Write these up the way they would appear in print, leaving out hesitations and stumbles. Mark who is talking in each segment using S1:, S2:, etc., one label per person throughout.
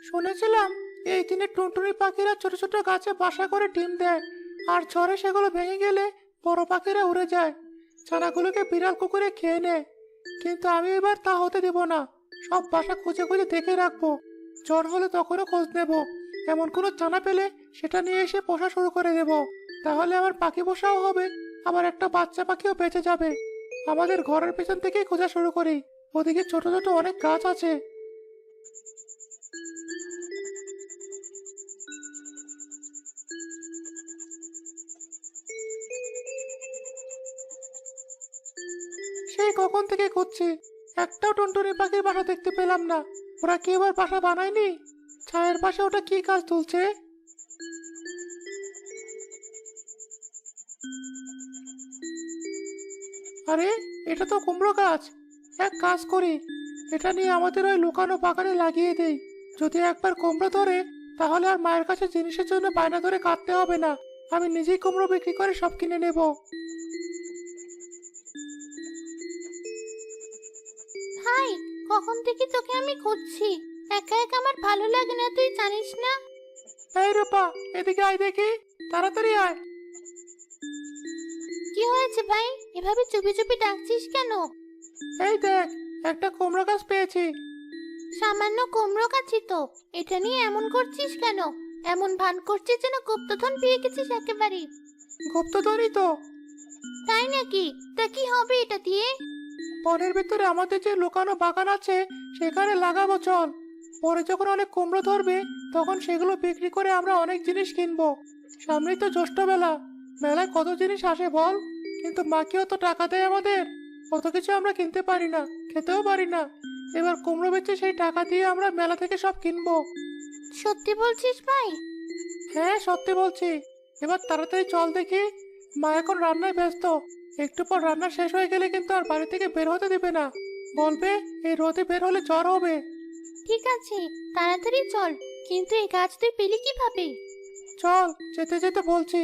S1: শুনেছিলাম এই দিনে টুনটুনি পাখিরা ছোট ছোট গাছে বাসা করে ডিম দেয়, আর ঝড়ে সেগুলো ভেঙে গেলে বড় পাখিরা উড়ে যায়, ছানাগুলোকে বিড়াল কুকুরে খেয়ে নেয়। কিন্তু আমি এবার তা হতে দেব না। সব বাসা খুঁজে খুঁজে দেখে রাখবো। ঝড় হলে তখনও খোঁজ নেব। এমন কোনো ছানা পেলে সেটা নিয়ে এসে পোষা শুরু করে দেব। তাহলে আমার পাখি পোষাও হবে, আবার একটা বাচ্চা পাখিও বেঁচে যাবে। আমাদের ঘরের পেছন থেকেই খোঁজা শুরু করি। ওদিকে ছোট ছোট অনেক গাছ আছে। সেই কখন থেকে খুঁজছি, একটাও টুনটুনি পাখির বাসা দেখতে পেলাম না। ওরা কি এবার বাসা বানায়নি? ছায়ের পাশে ওটা কি গাছ তুলছে? আরে, এটা তো কুমড়ো গাছ। এক কাজ করি, এটা নিয়ে আমাদের ওই লুকানো বাগানে লাগিয়ে দেই। যদি একবার কুমড়ো ধরে, তাহলে আর মায়ের কাছে জিনিসের জন্য বায়না ধরে কাটতে হবে না। আমি নিজেই কুমড়ো বিক্রি করে সব কিনে নেব।
S2: ভাই, কখন থেকে তোকে আমি খুঁজছি। একা একা আমার ভালো লাগে না, তুই জানিস না?
S1: এই রূপা, এদিকে আয় দেখি, তাড়াতাড়ি আয়।
S2: কি হয়েছে ভাই, এভাবে চুপি চুপি ডাকছিস কেন?
S1: এই দেখ, একটা কুমড়ো গাছ পেয়েছি।
S2: সামান্য কুমড়ো গাছই তো, এটা নিয়ে এমন করছিস কেন? এমন ভান করছিস যেন গুপ্তধন পেয়ে গেছিস একেবারে।
S1: গুপ্তধনই তো।
S2: তাই নাকি? তা কি হবে এটা দিয়ে?
S1: বনের ভিতরে আমাদের যে লুকানো বাগান আছে, সেখানে লাগাবো চল। পরে যখন অনেক কুমড়ো ধরবে, তখন সেগুলো বিক্রি করে আমরা অনেক জিনিস কিনবো। সামনেই তো জ্যৈষ্ঠ মেলা, মেলায় কত জিনিস আসে বল। কিন্তু মা কি অত টাকা দেয় আমাদের? কত কিছু আমরা কিনতে পারি না, খেতেও পারি না। এবার কুমড়ো বেচে সেই টাকা দিয়ে আমরা মেলা থেকে সব কিনবো।
S2: সত্যি বলছিস ভাই?
S1: হ্যাঁ, সত্যি বলছি। এবার তাড়াতাড়ি চল দেখি, মা এখন রান্নায় ব্যস্ত। একটু পর রান্না শেষ হয়ে গেলে কিন্তু আর বাড়ি থেকে বের হতে দিবে না। বলবে এই রোদে বের হলে জ্বর হবে।
S2: ঠিক আছে, তাড়াতাড়ি চল। কিন্তু এই গাছ তুই পেলি কিভাবে?
S1: চল, যেতে যেতে বলছি।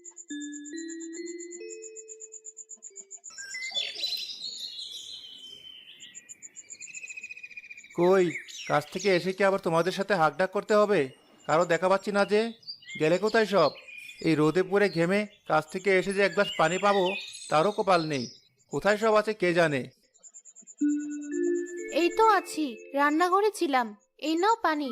S1: কই, কাছ থেকে এসে কি আবার তোমাদের সাথে হাঁকডাক করতে হবে? কারো দেখা পাচ্ছি না যে। গেলে কোথায় সব? এই রোদে পুড়ে ঘেমে কাছ থেকে এসে যে এক গ্লাস পানি পাবো, তারও কপাল নেই। কোথায় সব আছে কে জানে।
S2: এই তো আছি, রান্নাঘরে ছিলাম। এই নাও পানি।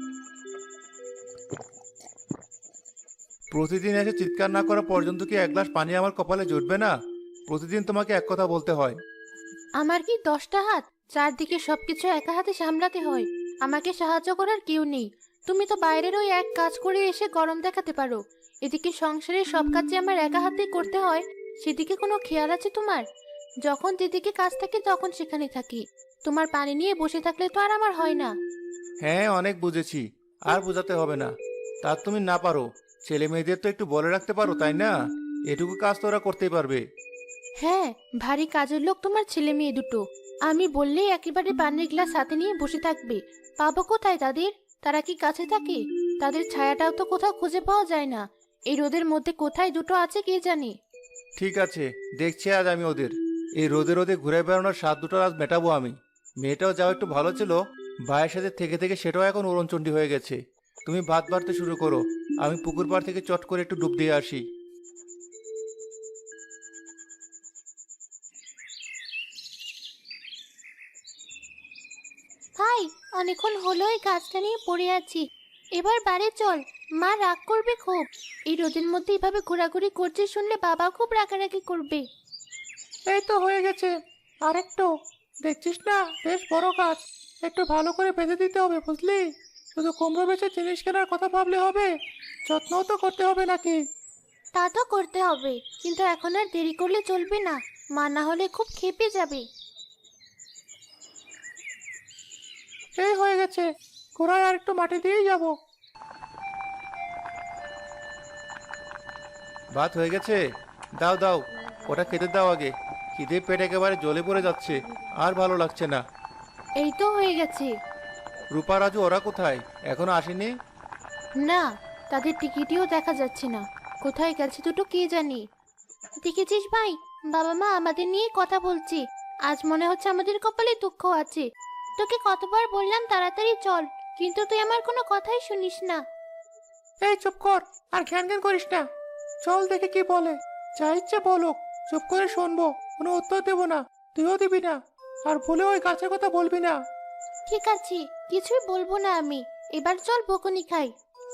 S1: প্রতিদিন এসে চিৎকার না করা পর্যন্ত কি এক গ্লাস পানি আমার কপালে জুটবে না? প্রতিদিন তোমাকে এক কথা বলতে হয়।
S2: আমার কি 10টা হাত? চারদিকে সবকিছু একা হাতে সামলাতে হয়। আমাকে সাহায্য করার কেউ নেই। তুমি তো বাইরের ওই এক কাজ করে এসে গরম দেখাতে পারো। এদিকে সংসারের সব কাজ যে আমার একা হাতেই করতে হয়, সেদিকে কোনো খেয়াল আছে তোমার? যখন যেদিকে কাজ থাকে তখন সেখানে থাকি। তোমার পানি নিয়ে বসে থাকলে তো আর আমার হয় না।
S1: হ্যাঁ, অনেক বুঝেছি। আর বোঝাতে হবে না। তা তুমি না পারো, ছেলে মেয়েদের তো একটু বলে রাখতে পারো, তাই না? এটুকু কাজ তো ওরা করতেই পারবে।
S2: হ্যাঁ, ভারী কাজের লোক তোমার ছেলে মেয়ে দুটো। আমি বললেই একেবারে পানির গ্লাস হাতে নিয়ে বসে থাকবে। পাবো কোথায় তাদের? তারা কি কাছে থাকে? তাদের ছায়াটাও তো কোথাও খুঁজে পাওয়া যায় না। এই রোদের মধ্যে কোথায় দুটো আছে কে জানে।
S1: ঠিক আছে, দেখছি আজ আমি ওদের। এই রোদে রোদে ঘুরে বেড়ানোর স্বাদ দুটো আজ মেটাবো আমি। মেয়েটাও যাও একটু ভালো ছিল, ভাইয়ের সাথে থেকে থেকে সেটাও এখন উড়নচণ্ডী হয়ে গেছে। তুমি ভাত বাড়তে শুরু করো, আমি পুকুর পাড় থেকে চট করে একটু ডুব দিয়ে আসি।
S2: ভাই, অনেকক্ষণ হলো এই গাছটা নিয়ে পড়ে আছি। এবার বাড়ি চল, মা রাগ করবে খুব। এই রোদের মধ্যে এভাবে ঘোরাঘুরি করছে শুনলে বাবা খুব রাগারাগি করবে।
S1: এই তো হয়ে গেছে, আরেকটু। দেখছিস না, বেশ বড় গাছ। একটু ভালো করে বেঁধে দিতে হবে, বুঝলি? শুধু কুমড়ো বেচে জিনিস কেনার কথা ভাবলে হবে? যত্নও তো করতে হবে নাকি?
S2: তা তো করতে হবে, কিন্তু এখন আর দেরি করলে চলবে না। মা না হলে খুব ক্ষেপে যাবে।
S1: এই হয়ে গেছে, গোড়ায় আর একটু মাটি দিয়েই যাব। ভাত হয়ে গেছে, দাও দাও, ওটা খেতে দাও আগে। খিদে পেট একেবারে জ্বলে পড়ে যাচ্ছে, আর ভালো লাগছে না।
S2: এই তো হয়ে গেছে।
S1: রূপা রাজু ওরা কোথায়? এখনো আসেনি?
S2: না, তাদের টিকিটিও দেখা যাচ্ছে না। কোথায় গেছে দুটো কে জানি। দেখেছিস ভাই, বাবা মা আমাদের নিয়ে কথা বলছে। আজ মনে হচ্ছে আমাদের কপালে দুঃখ আছে। তোকে কতবার বললাম তাড়াতাড়ি চল, কিন্তু তুই আমার কোনো কথাই শুনিস না।
S1: এই চুপ কর, আর ঘ্যান ঘ্যান করিস না। চল দেখে কি বলে। যা ইচ্ছে বলুক, চুপ করে শুনবো, কোনো উত্তর দেবো না। তুইও দিবি না, আর ভুলে ওই গাছের কথা বলবি না।
S2: ঠিক আছে, কিছুই বলবো না আমি। এবার চল বকুনি খাই।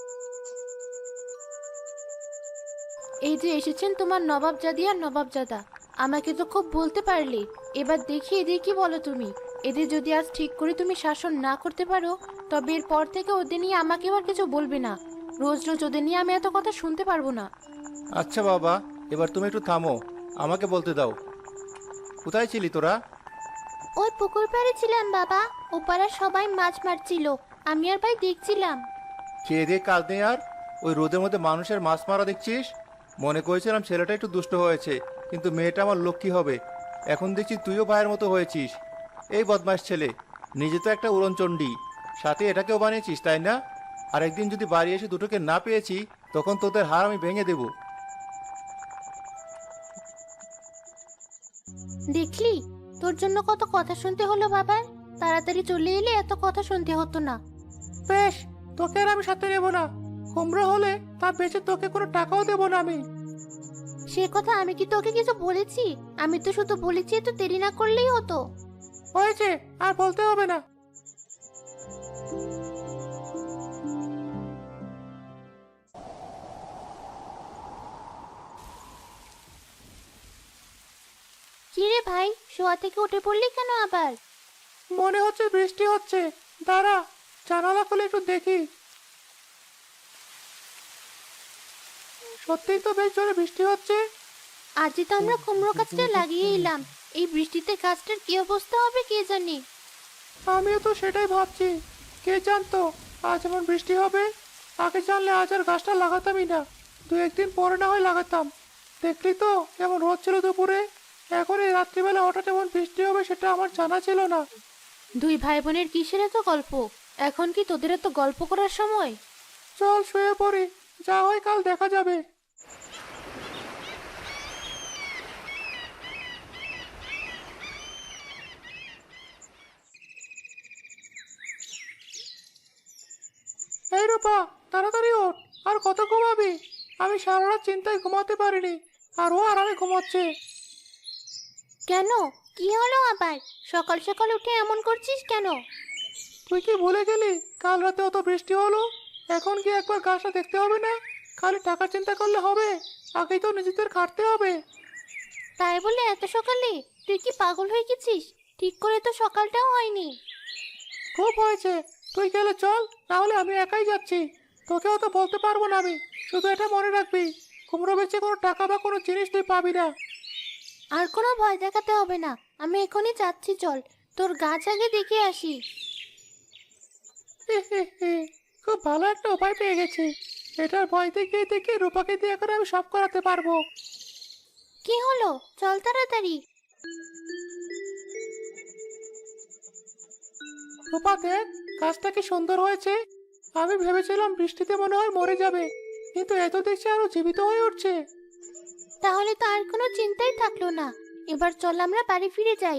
S2: এই যে এসেছেন তোমার নবাবজাদি আর নবাবজাদা, আমাকে তো খুব বলতে পারলে। এবার দেখি এদের কি বলো তুমি। এদের যদি আজ ঠিক করে তুমি শাসন না করতে পারো, তবে এরপর থেকে ওদের নিয়ে আমাকে আর কিছু বলবে না। রোজ রোজ ওদের নিয়ে আমি এত কথা শুনতে পারবো না।
S3: আচ্ছা বাবা, এবার তুমি একটু থামো, আমাকে বলতে দাও। কোথায় ছিলি তোরা?
S2: ওই পুকুর পাড়ে ছিলাম বাবা। ওপাড়ার সবাই মাছ মারছিল, আমি আর ভাই দেখছিলাম।
S3: খেয়ে দিয়ে কাজ নেই আর ওই রোদের মধ্যে মানুষের মাছ মারা দেখছিস? মনে করেছিলাম ছেলেটা একটু দুষ্ট হয়েছে, কিন্তু মেয়েটা আমার লক্ষ্মী হবে। এখন দেখছি তুইও ভাইয়ের মতো হয়েছিস। এই বদমাস ছেলে, নিজে তো একটা উড়নচণ্ডী, সাথে এটাকেও বানিয়েছিস, তাই না? আর একদিন যদি বাড়ি এসে দুটোকে না পেয়েছি, তখন তোদের হাড় আমি ভেঙে দেবো।
S2: দেখলি, তোর জন্য কত কথা শুনতে হলো বাবার। তাড়াতাড়ি চলে এলে এত কথা শুনতে হতো না।
S1: বেশ, তোকে আর আমি সাথে নেবো না। কুমড়ো হলে তা বেচে তোকে কোনো টাকাও দেবো না আমি।
S2: সে কথা আমি কি তোকে কিছু বলেছি? আমি তো শুধু বলেছি তো দেরি না করলেই হতো।
S1: হয়েছে, আর বলতে হবে না।
S2: কি রে ভাই, শোয়া থেকে উঠে পড়লি কেন আবার?
S1: মনে হচ্ছে বৃষ্টি হচ্ছে। দাঁড়া, জানালা খুলে একটু দেখি। সত্যিই তো বেশ জোরে বৃষ্টি হচ্ছে।
S2: আজই তো আমরা কুমড়ো গাছটা লাগিয়ে এলাম, এই বৃষ্টিতে গাছটার কি অবস্থা হবে কে জানে।
S1: আমিও তো সেটাই ভাবছি। কে জানতো আজ এমন বৃষ্টি হবে। আগে জানলে আজ আর গাছটা লাগাতামই না। দু একদিন পরে না হয় লাগাতাম। দেখলি তো কেমন রোদ ছিল দুপুরে। এখন এই রাত্রিবেলা হঠাৎ এমন বৃষ্টি হবে সেটা আমার জানা ছিল না।
S2: দুই ভাই বোনের কিসের এত গল্প? এখন কি তোদের এত গল্প করার সময়?
S1: চল শুয়ে পড়ি, যা হয় কাল দেখা যাবে। এই রূপা, তাড়াতাড়ি ওঠ। আর কত ঘুমাবি? আমি সারা রাত চিন্তায় ঘুমাতে পারিনি, আর ও আরামে ঘুমাচ্ছে।
S2: কেন, কি হলো আবার? সকাল সকাল উঠে এমন করছিস কেন?
S1: তুই কি ভুলে গেলি কাল রাতে অত বৃষ্টি হলো? এখন কি একবার গাছটা দেখতে হবে না? খালি টাকার চিন্তা করলে হবে? আগেই তো নিজেদের খাটতে হবে।
S2: তাই বলে এত সকালে? তুই কি পাগল হয়ে গেছিস? ঠিক করে তো সকালটাও হয়নি।
S1: খুব হয়েছে, তুই গেলে চল, না হলে আমি একাই যাচ্ছি। তোকেও তো বলতে পারবো না আমি। শুধু এটা মনে রাখবি, কুমড়ো বেচে কোনো টাকা বা কোনো জিনিস তুই পাবি না।
S2: আর কোনো ভয় দেখাতে হবে না, আমি এখনই যাচ্ছি। চল, তোর গাছ আগে দেখে আসি।
S1: হে হে হে, খুব ভালো একটা উপায় পেয়ে গেছি। এটার ভয় দেখিয়ে দেখিয়ে রূপাকে দিয়ে এখন আমি সব করাতে পারবো।
S2: কি হলো? চল তাড়াতাড়ি।
S1: রূপা দেখ, গাছটা কি সুন্দর হয়েছে। আমি ভেবেছিলাম বৃষ্টিতে মনে হয় মরে যাবে, কিন্তু এত দেখছি আরো জীবিত হয়ে উঠছে।
S2: তাহলে তো আর কোনো চিন্তাই থাকলো না। এবার চল আমরা বাড়ি ফিরে যাই।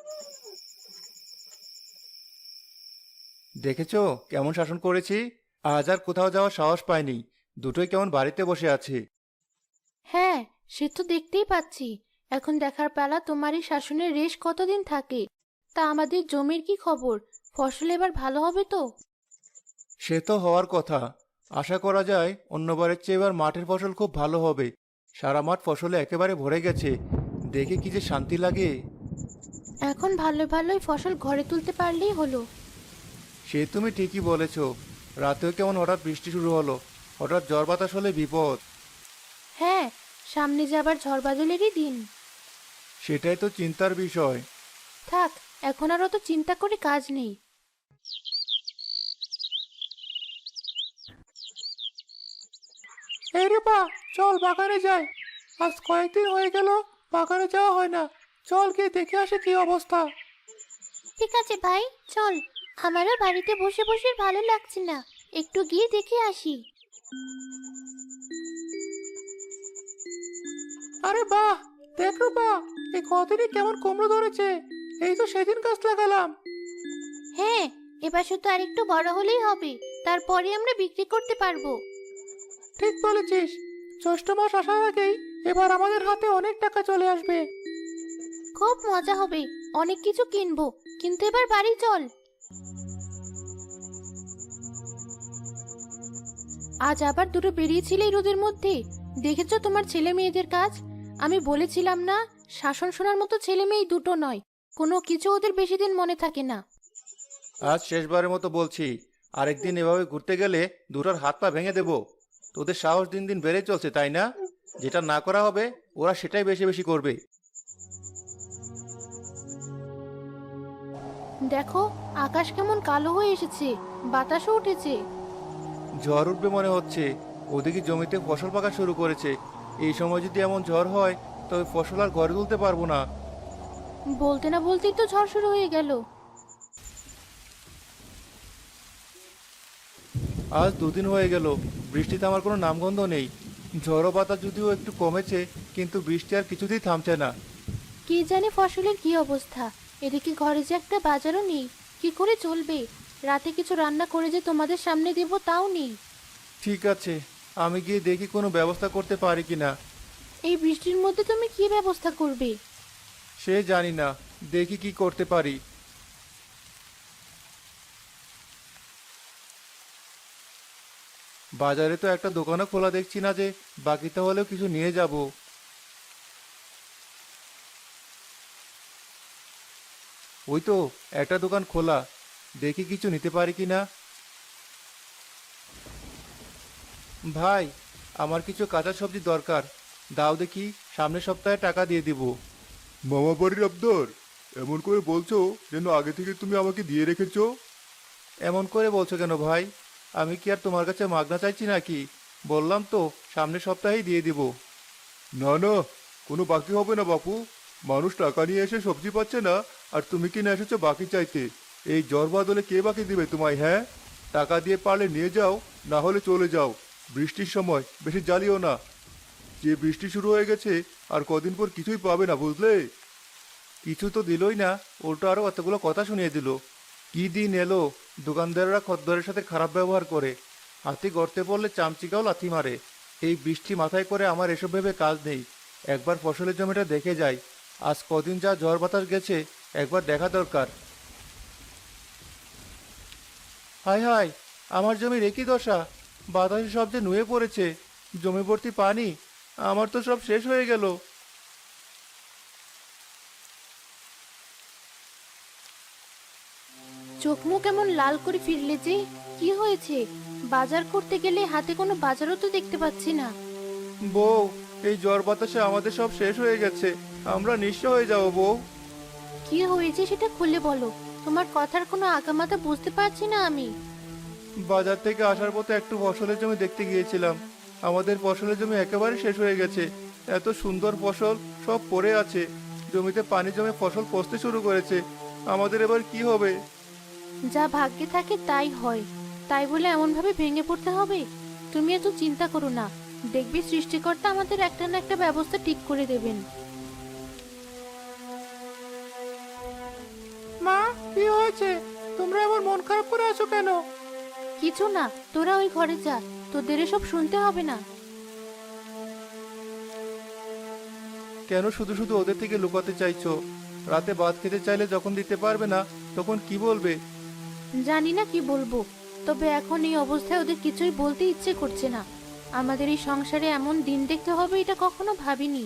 S3: দেখেছো কেমন শাসন করেছি? আজ আর কোথাও যাওয়ার সাহস পাইনি। দুটোই কেমন বাড়িতে বসে আছে।
S2: হ্যাঁ, সে তো দেখতেই পাচ্ছি। এখন দেখার পালা তোমারই শাসনের রেশ কতদিন থাকে। তা আমাদের জমির কি খবর? ফসল এবার ভালো হবে তো?
S3: সে তো হওয়ার কথা। আশা করা যায় অন্যবারের চেয়ে এবার মাঠের ফসল খুব ভালো হবে। সারা মাঠ ফসলে একেবারে ভরে গেছে। দেখে কি যে শান্তি লাগে।
S2: এখন ভালো ভালোই ফসল ঘরে তুলতে পারলেই হলো।
S3: সে তুমি ঠিকই বলেছ। রাতেও কেমন হঠাৎ বৃষ্টি শুরু হলো। হঠাৎ ঝড় বাতাস হলে বিপদ।
S2: হ্যাঁ, সামনে যে আবার ঝড় বাদলেরই দিন।
S3: সেটাই তো চিন্তার বিষয়।
S2: থাক, এখন আর অত চিন্তা করে কাজ নেই।
S1: এই রূপা, চল বাগানে যাই। আজ কয়েকদিন হয়ে গেল বাগানে যাওয়া হয় না। চল গিয়ে দেখে আসে কি অবস্থা।
S2: ঠিক আছে ভাই, চল। আমারও বাড়িতে বসে বসে ভালো লাগছে না, একটু গিয়ে দেখে আসি।
S1: আরে বাহ, দেখ রূপা, এই কদিনে কেমন কুমড়ো ধরেছে। এই তো সেদিন গাছ লাগালাম।
S2: হ্যাঁ, এবার শুধু আরেকটু বড় হলেই হবে, তারপরে আমরা বিক্রি করতে পারবো।
S1: ঠিক বলেছিস, জ্যৈষ্ঠ মাস আসার আগেই এবার আমাদের হাতে অনেক টাকা চলে আসবে।
S2: খুব মজা হবে, অনেক কিছু কিনবো। কিন্তু এবার বাড়ি চল। আজ আবার দুটো বেরিয়েছিলে এই রোদের মধ্যে। দেখেছো তোমার ছেলে মেয়েদের কাজ? আমি বলেছিলাম না, শাসন শোনার মতো ছেলে মেয়ে দুটো নয়, কোনো কিছু ওদের বেশি দিন মনে থাকে না।
S3: আজ শেষবারের মতো বলছি, আরেকদিন এভাবে ঘুরতে গেলে দুটোর হাত পা ভেঙে দেবো। তোদের সাহস দিন দিন বেড়ে চলছে, তাই না? যেটা না করা হবে ওরা সেটাই বেশি বেশি করবে।
S2: দেখো, আকাশ কেমন কালো হয়ে এসেছে, বাতাসও উঠেছে।
S3: ঝড় উঠবে মনে হচ্ছে। ওদিকে জমিতে ফসল পাকা শুরু করেছে। এই সময় যদি এমন ঝড় হয় তবে ফসল আর ঘরে তুলতে পারবো না।
S2: বলতে না বলতেই তো ঝড় শুরু হয়ে গেল।
S3: আজ দুদিন হয়ে গেল, বৃষ্টিতে আমার কোনো নামগন্ধ নেই। ঝড়ো বাতাস যদিও একটু কমেছে, কিন্তু বৃষ্টি আর কিছুতেই থামছে না।
S2: কি জানি ফসলের কি অবস্থা। এদিকে ঘরে যে একটা বাজারও নেই, কি করে চলবে? রাতে কিছু রান্না করে যে তোমাদের সামনে দেব তাও নেই।
S3: ঠিক আছে, আমি গিয়ে দেখি কোনো ব্যবস্থা করতে পারি কিনা।
S2: এই বৃষ্টির মধ্যে তুমি কি ব্যবস্থা করবে?
S3: সে জানি না, দেখি কি করতে পারি। বাজারে তো একটা দোকানও খোলা দেখছি না যে বাকিটা হলেও কিছু নিয়ে যাব। ওই তো একটা দোকান খোলা, দেখি কিছু নিতে পারি কিনা। ভাই, আমার কিছু কাঁচা সবজি দরকার, দাও দেখি, সামনের সপ্তাহে টাকা দিয়ে দিব।
S4: মামা বাড়ির আবদার? এমন করে বলছো যেন আগে থেকে তুমি আমাকে দিয়ে রেখেছো।
S3: এমন করে বলছো কেন ভাই? আমি কি আর তোমার কাছে মাগনা চাইছি নাকি? বললাম তো সামনের সপ্তাহেই দিয়ে দিব।
S4: না না, কোনো বাকি হবে না বাপু। মানুষ টাকা নিয়ে এসে সবজি পাচ্ছে না, আর তুমি কিনে এসেছো বাকি চাইতে। এই জ্বর বাদলে কে বাকি দিবে তোমায়? হ্যাঁ, টাকা দিয়ে পারলে নিয়ে যাও, না হলে চলে যাও। বৃষ্টির সময় বেশি জ্বালিও না। যে বৃষ্টি শুরু হয়ে গেছে, আর কদিন পর কিছুই পাবে না, বুঝলে?
S3: কিছু তো দিলই না, উল্টো আরো এতগুলো কথা শুনিয়ে দিল। কি দিন এলো, দোকানদাররা খদ্দরের সাথে খারাপ ব্যবহার করে। হাতি গর্তে পড়লে চামচিকাও লাথি মারে। এই বৃষ্টি মাথায় করে আমার এসব ভেবে কাজ নেই। একবার ফসলের জমিটা দেখে যাই। আজ কদিন যা ঝড় বাতাস গেছে, একবার দেখা দরকার। হায় হায়, আমার জমির একই দশা। বাতাসে সব যে নুয়ে পড়েছে, জমি ভর্তি পানি। আমার তো সব শেষ হয়ে গেল।
S2: চোখ মুখ কেমন লাল করে ফিরলে যে, কি হয়েছে? বাজার করতে গেলে হাতে কোনো বাজারও তো দেখতে পাচ্ছি না।
S3: বউ, এই ঝড় বাতাসে আমাদের সব শেষ হয়ে গেছে। আমরা নিঃস্ব হয়ে যাবো বউ।
S2: কি হয়েছে সেটা খুলে বলো, তোমার কথার কোনো আগামাথা বুঝতে পারছি না আমি।
S3: বাজার থেকে আসার পথে একটু ফসলের জমি দেখতে গিয়েছিলাম। আমাদের ফসলের জমি একেবারে শেষ হয়ে গেছে। এত সুন্দর ফসল সব পড়ে আছে। জমিতে পানি জমে ফসল পচতে শুরু করেছে। আমাদের এবার কি হবে?
S2: যা ভাগ্যে থাকে তাই হয়, তাই বলে এমন ভাবে ভেঙে পড়তে হবে? তুমি এত চিন্তা করো না, দেখবি সৃষ্টিকর্তা আমাদের একটা না একটা ব্যবস্থা ঠিক করে দেবেন।
S1: মা, কি হয়েছে? তোমরা এমন মন খারাপ করে আছো কেন?
S2: কিছু না, তোরা ওই ঘরে যা, তোদের এসব শুনতে হবে না।
S3: কেন শুধু শুধু ওদের থেকে লুকাতে চাইছো? রাতে ভাত খেতে চাইলে যখন দিতে পারবে না, তখন কি বলবে?
S2: জানি না কি বলবো, তবে এখন এই অবস্থায় ওদের কিছুই বলতে ইচ্ছে করছে না। আমাদের এই সংসারে এমন দিন দেখতে হবে এটা কখনো ভাবিনি।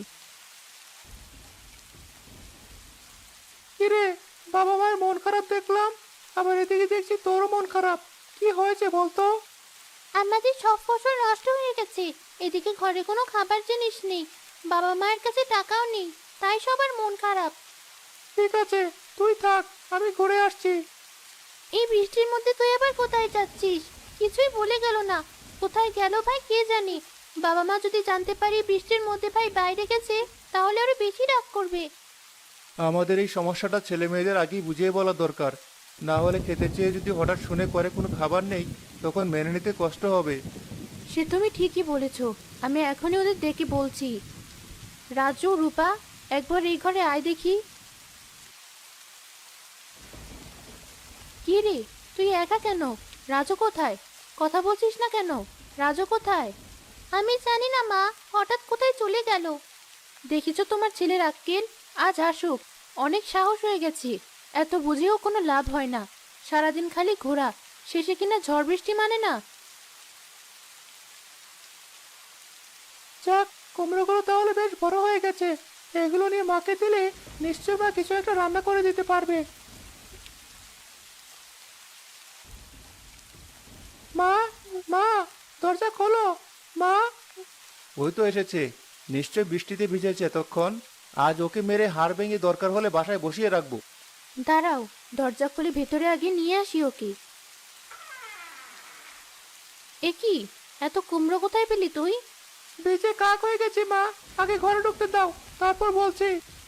S1: কিরে, বাবা মায়ের মন খারাপ দেখলাম, আবার এদিকে দেখছি তোরও মন খারাপ। কি হয়েছে বলতো?
S2: আমাদের সব ফসল নষ্ট হয়ে গেছে, এদিকে ঘরে কোনো খাবার জিনিস নেই, বাবা মায়ের কাছে টাকাও নেই, তাই সবার মন খারাপ।
S1: ঠিক আছে, তুই থাক, আমি ঘুরে আসছি।
S2: এই বৃষ্টির মধ্যে তুই আবার কোথায় যাচ্ছিস? কিছুই বলে গেল না। কোথায় গেল ভাই কে জানে। বাবা মা যদি জানতে পারি বৃষ্টির মধ্যে ভাই বাইরে গেছে, তাহলে আরো বেশি রাগ করবে।
S3: আমাদের এই সমস্যাটা ছেলে মেয়েদের আগেই বুঝিয়ে বলা দরকার। না হলে খেতে চেয়ে যদি হঠাৎ শুনে করে কোনো খাবার নেই, তখন মেনে নিতে কষ্ট হবে।
S2: সে তুমি ঠিকই বলেছো, আমি এখনই ওদের ডেকে বলছি। রাজু, রূপা, একবার এই ঘরে আয় দেখি। কি রে, তুই একা কেন? রাজু কোথায়? কথা বলছিস না কেন? রাজু কোথায়? আমি জানি না মা, হঠাৎ কোথায় চলে গেল। দেখিছো তোমার ছেলের আক্কেল? আজ আসুক, অনেক সাহস হয়ে গেছে। এত বুঝেও কোনো লাভ হয় না, সারাদিন খালি ঘোরা, শেষে কিনা ঝড় বৃষ্টি মানে না।
S1: যাক, কুমড়োগুলো তাহলে বেশ বড় হয়ে গেছে। এগুলো নিয়ে মাকে দিলে নিশ্চয় মা কিছু একটা রান্না করে দিতে পারবে। মা, মা, দরজা খোলো। মা।
S3: ওই তো এসেছে, নিশ্চয় বৃষ্টিতে ভিজেছে এতক্ষণ। আজ ওকে মেরে হাড় ভেঙে দরকার হলে বাসায় বসিয়ে রাখবো।
S2: দাঁড়াও, দরজা খুলে ভেতরে আগে নিয়ে আসি ওকে। এ কি, এত কুমড়ো কোথায় পেলি তুই?
S1: বেঁচে কাক হয়ে গেছি মা, আগে ঘরে ঢুকতে দাও, তারপর বলছি।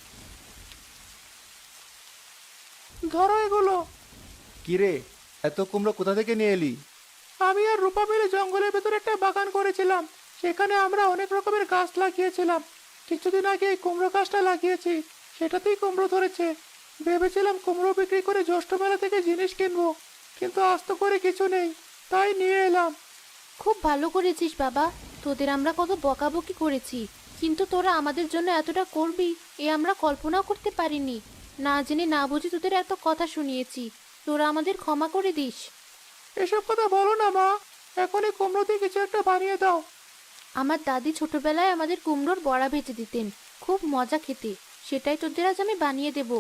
S1: ধরো এগুলো।
S3: কিরে, এত কুমড়ো কোথা থেকে নিয়ে এলি?
S1: আমি আর রূপা মিলে জঙ্গলের ভেতরে একটা বাগান করেছিলাম। সেখানে আমরা অনেক রকমের গাছ লাগিয়েছিলাম। কিছুদিন আগে এই কুমড়ো গাছটা লাগিয়েছি, সেটাতেই কুমড়ো ধরেছে। ভেবেছিলাম কুমড়ো বিক্রি করে জ্যৈষ্ঠ মেলা থেকে জিনিস কিনবো, কিন্তু আস্ত করে কিছু নেই, তাই নিয়ে এলাম।
S2: খুব ভালো করেছিস বাবা, তোদের আমরা কত বকাবকি করেছি, কিন্তু তোরা আমাদের জন্য এতটা করবি এ আমরা কল্পনাও করতে পারিনি। না জেনে না বুঝে তোদের এত কথা শুনিয়েছি, তোরা আমাদের ক্ষমা করে দিস।
S1: এসব কথা বলো না মা, এখনই কুমড়ো দিয়ে কিছু একটা বানিয়ে দাও।
S2: আমার দাদি ছোটবেলায় আমাদের কুমড়োর বড়া ভেজে দিতেন, খুব মজা খেতে, সেটাই তোদের আজ আমি বানিয়ে দেব।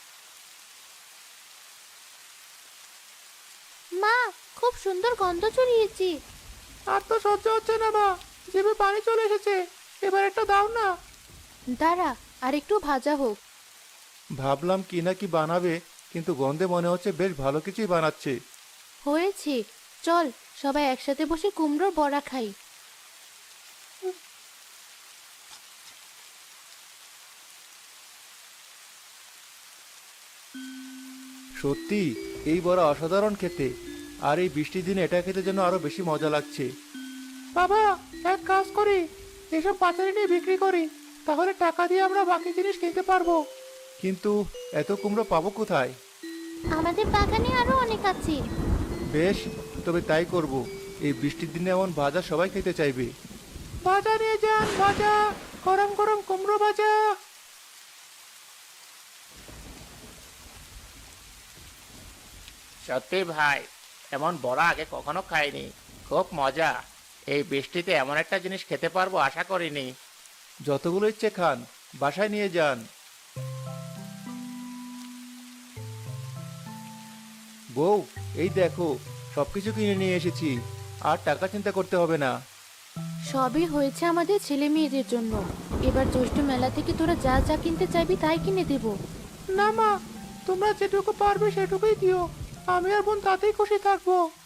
S2: মা, খুব সুন্দর গন্ধ ছড়িয়েছি।
S1: আর তো সহ্য হচ্ছে না মা, জিভে পানি চলে এসেছে, এবার একটা দাও না।
S2: দাঁড়া, আর একটু ভাজা হোক।
S3: ভাবলাম কি না কি বানাবে, কিন্তু গন্ধে মনে হচ্ছে বেশ ভালো কিছুই বানাচ্ছে।
S2: হয়েছে, চল সবাই একসাথে বসে কুমড়োর বড়া খাই।
S3: সত্যি এই বড়া অসাধারণ খেতে, আর এই বৃষ্টির দিনে এটা খেতে যেন আরো বেশি মজা লাগছে।
S1: বাবা, এক কাজ করি, এসব বাজারে নিয়ে বিক্রি করি, তাহলে টাকা দিয়ে আমরা বাকি জিনিস কিনতে পারবো।
S3: কিন্তু এত কুমড়ো পাবো কোথায়?
S2: আমাদের বাগানে আরো অনেক আছে।
S3: বেশ, তবে তাই করব। এই বৃষ্টির দিনে এমন ভাজা সবাই খেতে চাইবে।
S1: ভাজা নিয়ে যান, ভাজা, গরম গরম কুমড়ো ভাজা।
S5: সত্যি ভাই, এমন বড়া আগে কখনো খাইনি, খুব মজা। এই বৃষ্টিতে এমন একটা জিনিস খেতে পারবো আশা করিনি।
S3: যতগুলো ইচ্ছে খান, বাসায় নিয়ে যান। বউ, এই দেখো, সবকিছু কিনে নিয়ে এসেছি, আর টাকা চিন্তা করতে হবে না।
S2: সবই হয়েছে আমাদের ছেলে মেয়েদের জন্য। এবার জ্যৈষ্ঠ মেলা থেকে তোরা যা যা কিনতে চাইবি তাই কিনে দেব।
S1: না মা, তোমরা যেটুকু পারবে সেটুকুই দিও, আমি আর বোন তাতেই খুশি থাকবো।